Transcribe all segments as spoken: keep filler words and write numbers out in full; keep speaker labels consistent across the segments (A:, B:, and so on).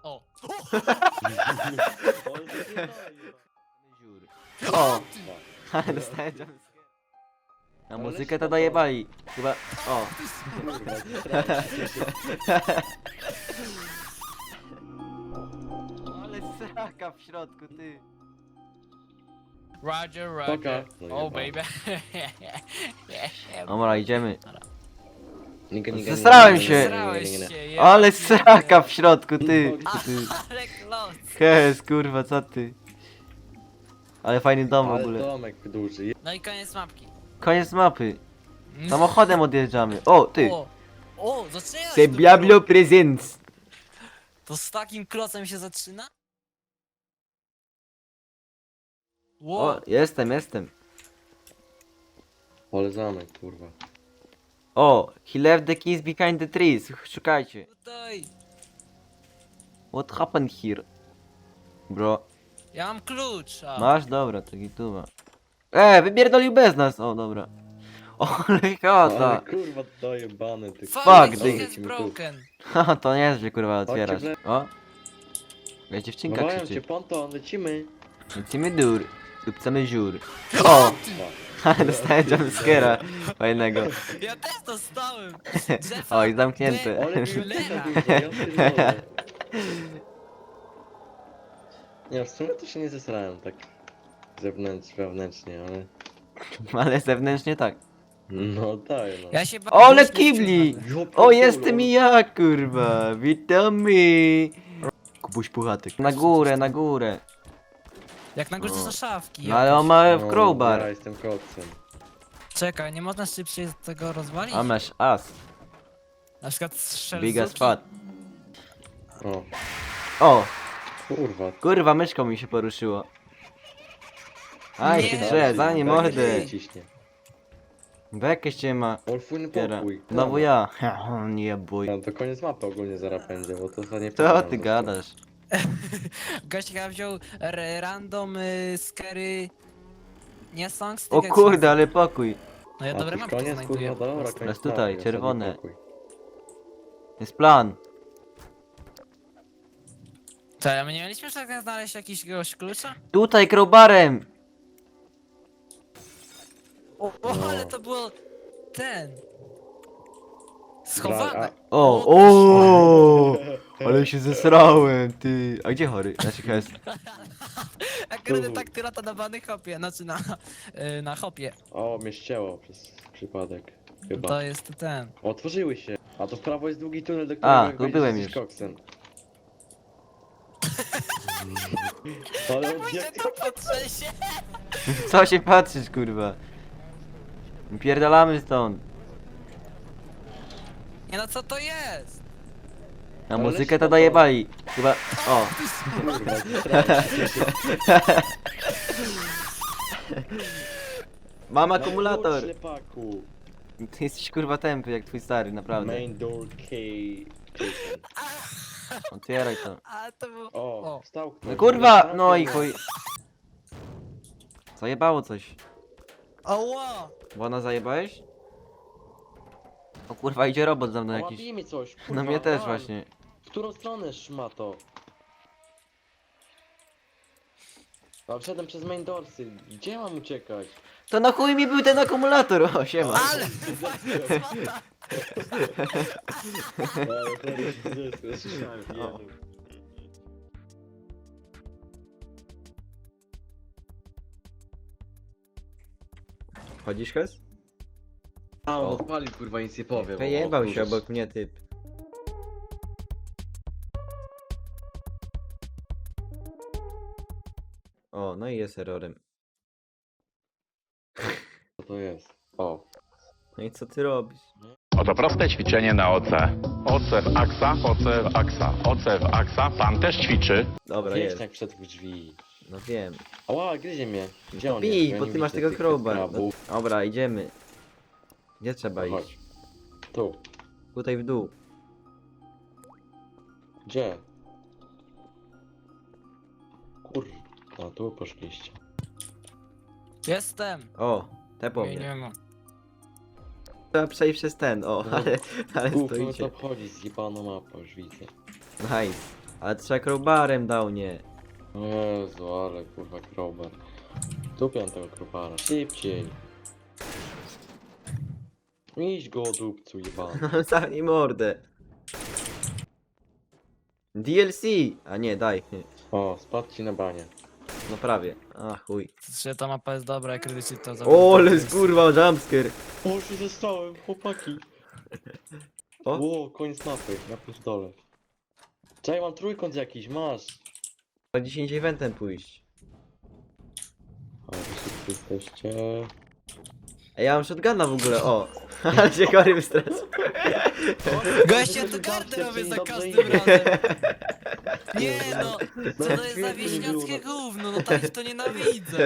A: O!
B: O! Ale dostałem jumpscare. Na muzykę to dojebali. Chyba... O! Ale sraka w środku, ty.
A: Roger,
C: Poka.
A: Roger.
C: No
A: Oh,
C: jeba.
A: baby.
B: Dobra, idziemy.
C: Niga, niga,
B: Zesrałem
C: niga,
B: się.
C: niga, niga,
A: Zesrałeś
C: niga, niga.
A: się, ja
B: Ale
A: pierdzielę.
B: sraka w środku, ty. ty.
A: Ale klos.
B: Hes, kurwa, co ty? Ale fajny dom w
C: Ale
B: ogóle.
C: domek duży.
A: No i koniec mapki.
B: Koniec mapy. Samochodem odjeżdżamy. O, ty.
A: O! O, zaczynasz
B: Se Diablo Presents.
A: To z takim klocem się zaczyna?
B: O,
A: Wow.
B: jestem, jestem.
C: Ale zamek, kurwa.
B: O, he left the keys behind the trees. Szukajcie.
A: Tutaj.
B: What happened here? Bro.
A: Ja mam klucz. A.
B: Masz? Dobra, to gituwa. E, wypierdolił bez nas. O, dobra. O, ale
C: Ale
B: chata.
C: kurwa dojebany ty.
B: Fuck,
A: Fuck,
B: ty.
A: this is broken.
B: Haha, to nie jest, że kurwa otwierasz.
C: Chodźcie,
B: O. Ja dziewczynka
C: Wołają cię,
B: krzyczy.
C: ponton, lecimy.
B: Lecimy dur. Dupcamy żur. O! Ale dostałem jumpscare'a fajnego.
A: Ja też dostałem. Drzewa.
B: Oj, zamknięte.
C: Ale
A: Cholera.
C: biblioteka duża, ja pierdolę. Nie, w sumie to się nie zesrałem tak zewnętrznie, wewnętrznie, ale...
B: Ale zewnętrznie tak.
C: No tak, no.
A: Ja się ba-
B: O, ale
A: głośno
B: kibli!
A: wciągnę.
C: Ja
B: O,
C: pierdolę,
B: jestem i ja, kurwa! Witamy! Kubuś Puchatek. Na górę, na górę.
A: Jak na górze
B: No.
A: są szafki.
B: No ale on
A: jakieś.
B: ma
C: No,
B: w
C: Ja
B: crowbar.
C: jestem koksem.
A: Czekaj, nie można szybciej tego rozwalić?
B: A masz as.
A: Na przykład strzel
B: Big as
A: z
B: fat.
C: O,
B: O!
C: kurwa.
B: Kurwa, myszką mi się poruszyło. Aj,
A: Nie.
B: się drze, za nie mordę.
C: Ciśnie.
B: Bekę się ma.
C: Olfujny
B: Piera.
C: pokój.
B: Znowu ja. Nie bój.
C: No to koniec mapy ogólnie zaraz będzie, bo to za nie
B: Co
C: pamiętam
B: ty
C: za
B: gadasz?
A: Gość chyba wziął r- random y, scary... Nie songs?
B: O kurde, ale pokój.
A: No ja
C: A
A: dobre
C: to
A: mapki
C: koniec,
A: znajduję.
C: kurwa, dobra,
A: Proste.
C: koniec
B: Jest tutaj,
C: mapy,
B: czerwone.
C: osobny pokój.
B: Jest plan.
A: Co, a my nie mieliśmy tak znaleźć jakiegoś klucza?
B: Tutaj crowbarem.
A: O, o
C: No.
A: ale to było... ten...
C: Bra-
A: Schowane.
B: O, o, ale się zesrałem, ty. A gdzie chory? Znaczy hes.
A: Akurat
C: Tu.
A: tak ty lata na bany hopie, znaczy na... y, na hopie.
C: O, mnie ścięło przez przypadek. Chyba.
A: To jest ten...
C: Otworzyły się. A to w prawo jest długi tunel, do którego
B: A,
C: jak
B: tu
C: wejdziesz,
B: byłem
C: jesteś
B: już.
C: koksem. Ale
A: Pójdę
C: jak
A: to potrzęsie!
B: Co się patrzysz, kurwa? Pierdalamy stąd.
A: Nie no co to jest?
B: Na
C: Ale
B: muzykę to
C: spoko.
B: dojebali. Chyba... O.
C: kurwa, zesrałem się.
B: Mam
C: Na
B: akumulator.
C: klucz, ślepaku.
B: Ty jesteś kurwa tępy jak twój stary, naprawdę.
C: Main door key.
B: Otwieraj to.
A: A to było...
C: O,
A: O.
C: wstał ktoś.
B: No kurwa! No i chuj. Zajebało coś.
A: Oła!
B: Błona zajebałeś? O kurwa, idzie robot za mną jakiś.
C: Jakiś... mi coś, kurwa,
B: No mnie też
C: daj.
B: właśnie.
C: W którą stronę szmato? A wszedłem przez main doorsy. Gdzie mam uciekać?
B: To na chuj mi był ten akumulator, o siema.
A: Ale!
C: Ale chory się zesrał, słyszałem,
B: O.
C: jedu.
B: Chodzisz hez?
C: A, on
B: O.
C: odpalił, kurwa, nic nie powiem.
B: Wyjebał
C: O,
B: się
C: kurwa.
B: obok mnie typ. O, no i jest errorem.
C: Co to jest? O.
B: No i co ty robisz?
D: Oto proste ćwiczenie na O C. O C w aksa, O C w aksa, O C w aksa. Pan też ćwiczy.
B: Dobra,
C: Wiesz,
B: jest.
C: jak wszedł w drzwi.
B: No wiem.
C: Ała, gryzie mnie. Gdzie on jest?
B: Bij,
C: Ja
B: bo
C: nie
B: ty masz
C: widzę
B: tego
C: tych
B: crowbar. No,
C: krabów.
B: dobra, idziemy. Gdzie trzeba
C: No
B: iść?
C: chodź. Tu.
B: Tutaj w dół.
C: Gdzie? Kur... A, tu poszliście.
A: Jestem!
B: O, te po
A: Nie,
B: mnie.
A: nie ma.
B: Trzeba przejść przez ten, o,
C: No.
B: ale, ale
C: Gówno to
B: stoicie.
C: obchodzi, zjebana mapa, już widzę.
B: Nice. Ale trzeba crowbarem dał, nie.
C: Jezu, ale kurwa crowbar. Dupiam tego crowbara, szybciej. Idź go dupcu jebany.
B: Zamknij mordę. D L C! A nie, daj.
C: O, spadł ci na banie.
B: No prawie. A chuj.
A: Że ta mapa jest dobra, jak rycy to za.
B: O, ale kurwa, jumpscare.
C: O, się zostałem, chłopaki.
B: O.
C: O, koniec mapy, na pierdolę. Czekaj, mam trójkąt jakiś, masz.
B: Trzeba dziesięć eventem pójść.
C: A, wy wszyscy jesteście...
B: Ej, ja mam shotguna w ogóle, o. Ale się chory wystres.
A: Gość, ja to gardę robię za każdym razem. Nie no, co to jest za wieśniackie gówno, no tak to nienawidzę.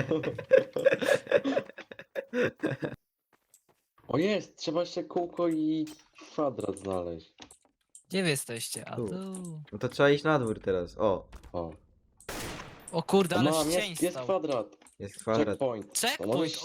C: O jest, trzeba jeszcze kółko i kwadrat znaleźć.
A: Gdzie wy jesteście? A
B: Tu.
A: tu.
B: No to trzeba iść na dwór teraz, o.
C: O,
A: O kurde, ale
C: mam,
A: ścień
C: jest, jest
A: stał.
C: kwadrat.
B: Jest kwadrat.
C: Checkpoint. To
A: Checkpoint,
C: możesz-
A: o,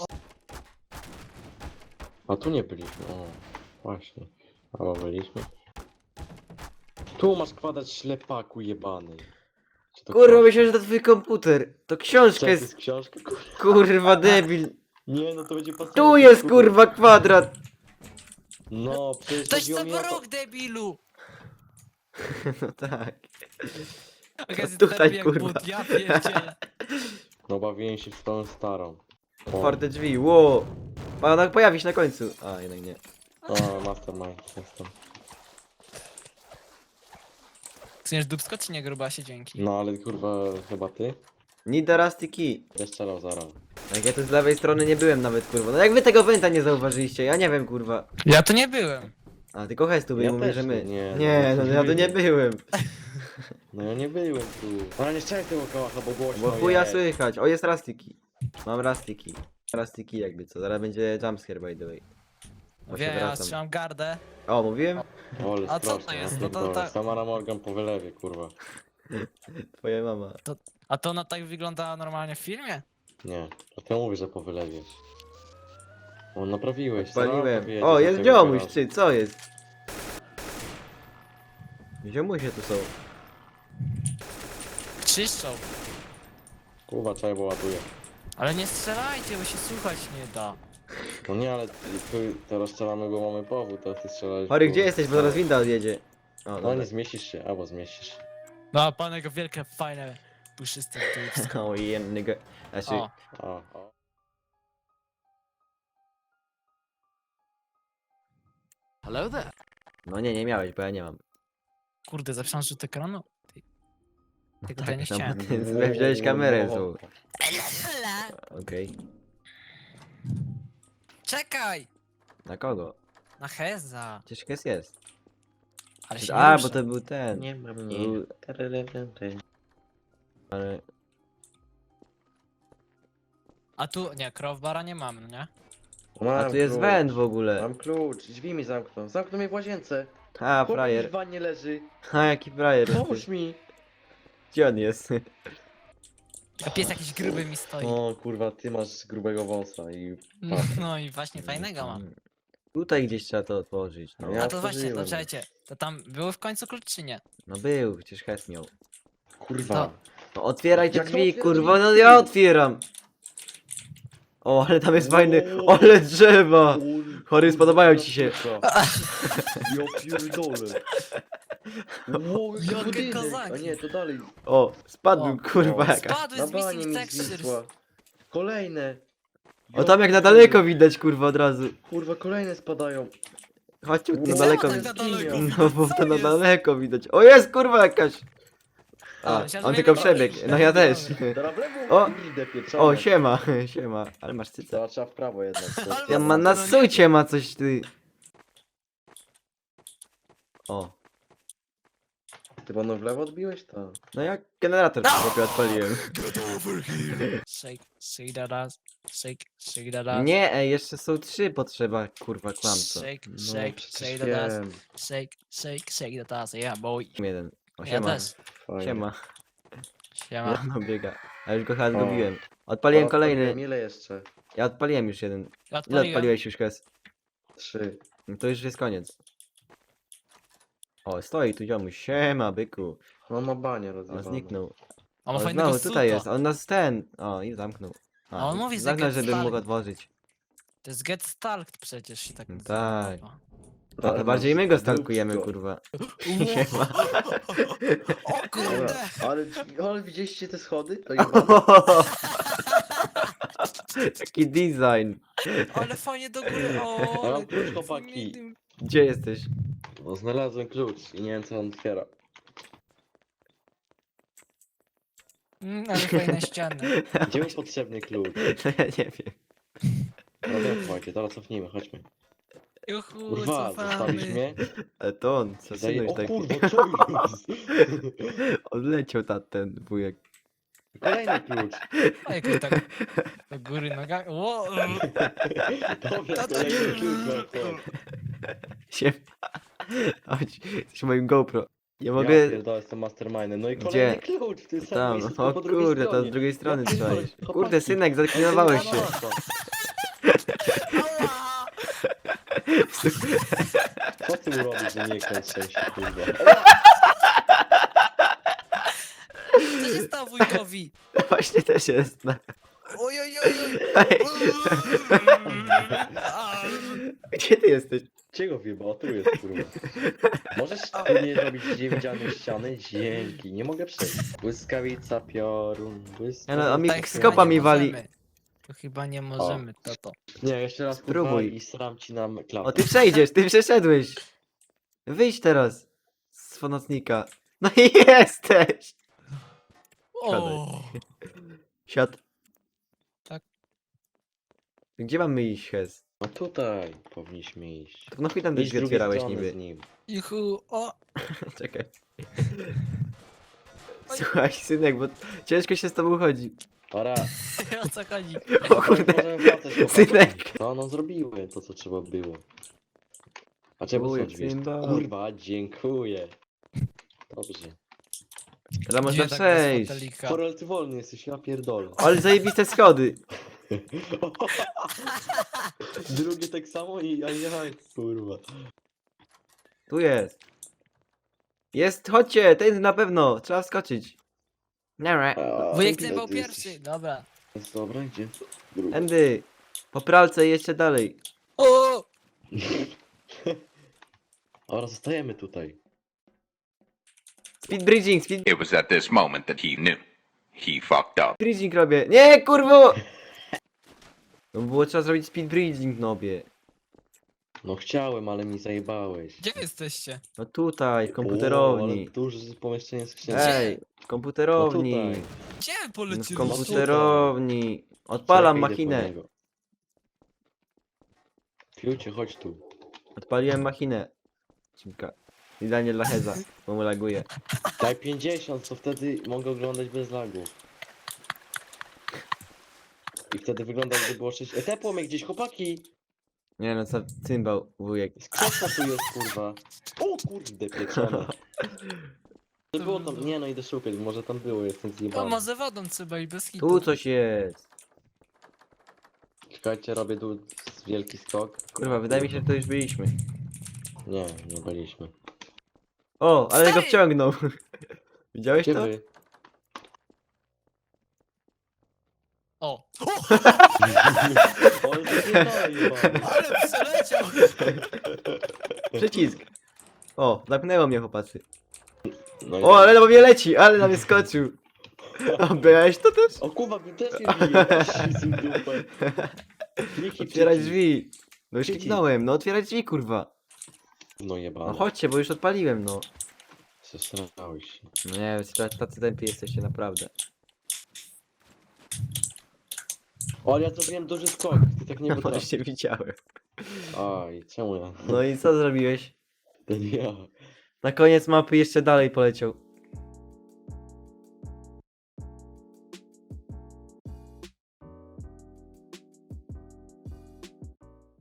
C: A tu nie byliśmy, o. Właśnie. Albo byliśmy. Tu masz kwadrat ślepaku jebany. Czy to
B: Kurwa,
C: książka?
B: myślałem, że to twój komputer. To książka
C: Czy to
B: jest,
C: jest książka? Kur-
B: kurwa, debil.
C: Nie, no to będzie pasować.
B: Tu jest, kurwa, kwadrat.
C: No, przecież
A: Ktoś
C: chodziło
A: co
C: mi o to-
A: rok, debilu!
B: No tak.
A: Okazji
B: tutaj,
A: tutaj, jak
B: kurwa.
A: but, ja pierdzielę.
C: No bawiłem się w tą starą. O,
B: Otwarte drzwi, ło. Pana pojawi się na końcu. A, jednak nie.
C: o mastermind, jestem.
A: Chcesz dupsko czy nie, grubasie? Dzięki.
C: No ale kurwa, chyba ty?
B: Need a rusty key.
C: Będę strzelał zaraz.
B: Jak ja tu z lewej strony nie byłem nawet, kurwa. No jak wy tego węta nie zauważyliście? Ja nie wiem, kurwa.
A: Ja tu nie byłem.
B: A, tylko Hes tu był,
C: Ja
B: mówi,
C: też
B: że my.
C: nie, nie,
B: nie
C: no,
B: no ja tu nie byłem.
C: No ja nie byłem tu. Ale nie strzelaj tego kałacha, bo głośno
B: Bo chuja
C: jest.
B: słychać. O, jest rusty key. Mam rusty key. Rusty key jakby co. Zaraz będzie jumpscare, by the way. O, się
A: Wiem, ja
B: wracam.
A: trzymam gardę.
B: O, mówiłem?
C: O, ale
A: A co to
C: straszne,
A: jest?
C: ja
A: No to
C: pierdolę.
A: tak-
C: Samara Morgan po wylewie, kurwa.
B: Twoja mama.
A: A to ona tak wygląda normalnie w filmie?
C: Nie, to ty mówisz, że po wylewie. O, naprawiłeś.
B: Paliłem.
C: Sama powiedzieć
B: O,
C: do
B: jest
C: tego
B: ziomuś,
C: garażu.
B: ty, co jest? Ziomusie tu są.
A: Czyszczą.
C: Kurwa, czaj, bo ładuje.
A: Ale nie strzelajcie, bo się słuchać nie da.
C: No nie, ale ty, teraz strzelamy, bo mamy powód, a ty strzelałeś.
B: Chory,
C: bo-
B: gdzie jesteś? Bo zaraz winda odjedzie. O,
C: No
B: dobra.
C: nie zmieścisz się, albo zmieścisz.
A: No a pan jego wielkie, fajne, puszyste dupsko.
B: O, jem, nigga. Znaczy,
A: O,
C: O, o.
A: hello there.
B: no nie, nie miałeś, bo ja nie mam.
A: Kurde, zapisałem rzut ekranu? Ty- Tego to ja nie
B: tam-
A: chciałem.
B: ty wziąłeś kamerę złą. Okej.
A: Czekaj!
B: Na kogo?
A: Na Heza.
B: Przecież Hes jest.
A: Ale się
B: A,
A: nie
B: bo
A: ruszę.
B: to był ten.
C: Nie mam
B: Był- Ale...
A: A tu, nie, crowbara nie mamy, no nie?
B: A tu jest węd w ogóle.
C: Mam klucz, drzwi mi zamknął. Zamknął mnie w łazience.
B: A,
C: Chłop
B: frajer.
C: w wannie leży.
B: A, jaki frajer.
C: Pomóż mi.
B: Gdzie on jest?
A: A pies jakiś gruby mi stoi.
C: O kurwa, ty masz grubego wąsa i...
A: No, no i właśnie fajnego mam.
B: Tutaj gdzieś trzeba to otworzyć. No,
C: Ja
A: A to właśnie, to
C: otworzyłem.
A: czekajcie, to tam było w końcu klucz czy nie?
B: no był, przecież Hes miał.
C: Kurwa.
A: To-
B: No otwieraj te
C: Jak to
B: drzwi,
C: otwierać
B: kurwa, no
C: drzwi?
B: ja otwieram. O, ale tam jest fajny, ale drzewa. Chory, spodobają ci się.
C: Ja pierdolę. Wow, jaki
A: Jakie
C: budynek.
A: kozaki.
C: A nie, to dalej.
B: O, spadłem,
A: O,
B: kurwa,
C: o,
B: jaka.
A: Spadły
C: Na
A: z
C: banie
A: Missing
C: mi
A: Textures.
C: zwisła. Kolejne.
B: O, tam jak na daleko widać, kurwa, od razu.
C: Kurwa, kolejne spadają.
B: Chodźcie, tu na
C: Czemu
B: daleko
A: tak
B: widać.
A: na daleko
C: No,
B: No, bo
A: Co
B: to na
A: jest?
B: daleko widać. O, jest, kurwa, jakaś.
A: A,
B: A,
A: myślałem,
B: on
A: że
B: tylko
A: mnie
B: przebiegł.
A: naprawisz.
B: No ja też.
C: Teraz w lewo.
B: O!
C: Kurde, pieczone.
B: O, siema, siema. Ale masz cycę.
C: Teraz trzeba w prawo jednak.
A: Ale
B: Ja
A: was
B: ma na
A: to nie-
B: sucie ma coś, ty. O.
C: Ty panu w lewo odbiłeś to?
B: No jak generator przy chłopie odpaliłem.
A: Shake, shake that ass, shake, shake that ass.
B: Nie, ej, jeszcze są trzy potrzeba, kurwa, kłamco.
A: Shake,
C: No,
A: shake,
C: przecież
A: shake that ass,
C: wiem.
A: shake, shake, shake that ass, yeah boy.
B: Jeden. O,
A: Ja
B: siema.
A: też.
C: Fajnie.
B: Siema.
A: Siema.
B: No biega. A już go chyba
C: O.
B: zgubiłem. Odpaliłem
C: O,
B: kolejny.
C: odpaliłem. Ile jeszcze?
B: Ja odpaliłem już jeden. Ile
A: Odpaliłem.
B: odpaliłeś już, Kes?
C: Trzy.
B: No to już jest koniec. O, stoi tu ziomuś, siema, byku.
C: No ma banie
B: O,
C: rozjebane.
B: zniknął.
A: On ma
B: O,
A: fajnego
B: znowu, tutaj
A: suta.
B: jest, on nas ten. O, i zamknął.
A: A on mówi, że
B: zamknął,
A: get
B: żeby mógł
A: stalked.
B: otworzyć.
A: To jest Get Stalked przecież się tak
B: No
A: nazywa
B: tak.
A: mapa.
B: To, to
C: Ale
B: bardziej
C: masz
B: my go
C: dupsko.
B: stalkujemy, kurwa.
A: O
C: Dobra,
A: kurde!
C: ale, ale widzieliście te schody? To jebane.
B: Taki design.
A: Ale fajnie do góry, o!
C: Ja mam
A: ale-
C: klucz, chłopaki.
B: Gdzie jesteś?
C: No znalazłem klucz i nie wiem co on otwiera.
A: Mm, ale fajne ściany.
C: Gdzie był potrzebny klucz?
B: No ja nie wiem.
C: No wiem, słuchajcie, teraz cofnijmy, chodźmy.
A: Juhu,
C: Kurwa, zostawisz
A: cofamy.
C: mnie?
B: Ale to on, co
C: Zaje...
B: synuś
C: O
B: taki.
C: kurwa, co jest?
B: Odleciał ta, ten wujek.
C: Kolejny klucz.
A: A jakoś tak do góry nogami. Ło,
C: Dobra,
A: To- to-
C: kolejny klucz. no to.
B: Siema. Chodź, jesteś moim GoPro. Nie
C: Ja
B: mogę...
C: pierdolę, jestem mastermindem. No i
B: Gdzie?
C: kolejny klucz w tym samym
B: Tam,
C: miejscu, tylko
B: o
C: po drugiej
B: kurde, to
C: stronie.
B: z drugiej strony
C: Ja
B: trzeba
C: pierdolę,
B: iść.
C: chłopaki.
B: Kurde, synek, zaklinowałeś się.
A: ała!
C: Co ty mu robisz, że nie kręć się, kurwa?
A: Co się stało wujkowi?
B: Właśnie też jest. No.
A: Oj, oj, oj, oj.
B: Ej, gdzie ty jesteś?
C: Czego wyjebał? Tu jest, kurwa. Możesz tu nie robić niewidzialnej ściany? Dzięki, nie mogę przejść. Błyskawica, piorun, błyskawica.
B: Ja no, a mi
A: Tak,
B: skopa
A: chyba nie
B: mi wali.
A: możemy. To chyba nie możemy, to to.
C: Nie, jeszcze raz kurwa
B: Spróbuj.
C: i sram ci nam klapę.
B: O, ty przejdziesz, ty przeszedłeś. Wyjdź teraz z fonocnika. No i jesteś!
A: O,
B: Siad.
A: Tak.
B: Gdzie mamy iść, Hez?
C: No tutaj powinniśmy iść.
B: To no chuj tam
C: Idź z
B: drzwi
C: drugiej
B: otwierałeś
C: strony
B: niby.
C: z nim.
A: juhu, o.
B: Czekaj. Słuchaj, synek, bo ciężko się z tobą chodzi.
C: Para.
A: O co chodzi?
B: O kurde.
C: Możemy wracać, chłopaki.
B: Synek.
C: No, no zrobiły to, co trzeba było. A czemu są
B: Wujek,
C: drzwi?
B: symbol.
C: Kurwa, dziękuję. Dobrze.
B: Ale można
A: Gdzie tak bez
B: przejść.
A: fotelika?
C: Korel, ty wolny jesteś, ja pierdolę.
B: Ale zajebiste schody.
C: Drugie tak samo i ajaj, kurwa.
B: Tu jest. Jest, chodźcie, ten na pewno. Trzeba wskoczyć. Nara.
C: A,
A: Wujek
C: ty
A: ty był
C: jesteś-
A: pierwszy, dobra.
C: Jest dobra, gdzie? Drugi.
B: Endy. Po pralce i jeszcze dalej.
A: O!
C: Dobra, zostajemy tutaj.
B: Speed bridging, speed
D: It was at this moment that he knew. He fucked up.
B: bridging robię. Nie, kurwo! No było trzeba zrobić speed bridging, nobie.
C: No chciałem, ale mi zajebałeś.
A: Gdzie jesteście?
B: No tutaj, w
C: O,
B: komputerowni.
C: ale duże pomieszczenie skrzynki.
B: Ej, w komputerowni.
C: No tutaj.
A: Gdzie wy
B: No w
A: polecieliście?
B: komputerowni. Odpalam
C: Czekaj, idę po
B: machinę.
C: niego. Fiucie, chodź tu.
B: Odpaliłem machinę. Cimka. Idealnie dla Heza, bo mu laguje.
C: Daj pięćdziesiąt, to wtedy mogę oglądać bez lagu. I wtedy wygląda jakby było sześć. E, tepło mnie gdzieś, chłopaki!
B: Nie no, co cymbał, wujek.
C: Skrzynka tu jest, kurwa. O kurde, pieczone. To było tam, nie no, idę szukać, może tam było, jestem
A: O,
C: zjebany.
A: może wodą trzeba i bez hitu.
B: Tu coś jest.
C: Czekajcie, robię tu wielki skok.
B: Kurwa, wydaje mi się, że to już byliśmy.
C: Nie, nie byliśmy.
B: O, ale go
A: Stary!
B: wciągnął. Widziałeś
C: Gdzie
B: to?
C: wy?
A: O!
C: O, ale to zjebane, jebane.
A: Ale przeleciał!
B: Przycisk. O, zapnęło mnie, chłopacy.
C: No i
B: O, ale na mnie leci, ale na mnie skoczył. O, byłeś to też?
C: O kurwa, mi też nie bije. Ślizł dupę. Kliki,
B: Otwierać
C: przycisk.
B: drzwi. No już
C: Przycisk.
B: kliknąłem, no otwierać drzwi, kurwa.
C: No jebane.
B: No chodźcie, bo już odpaliłem, no.
C: Zesrałeś się.
B: No nie wiem, tacy- tacy tępi jesteście, naprawdę.
C: O, ale ja zrobiłem duży skok, ty tak nie potrafisz.
B: Właśnie widziałem.
C: Aj, czemu ja?
B: No i co zrobiłeś?
C: To nie ja.
B: Na koniec mapy jeszcze dalej poleciał.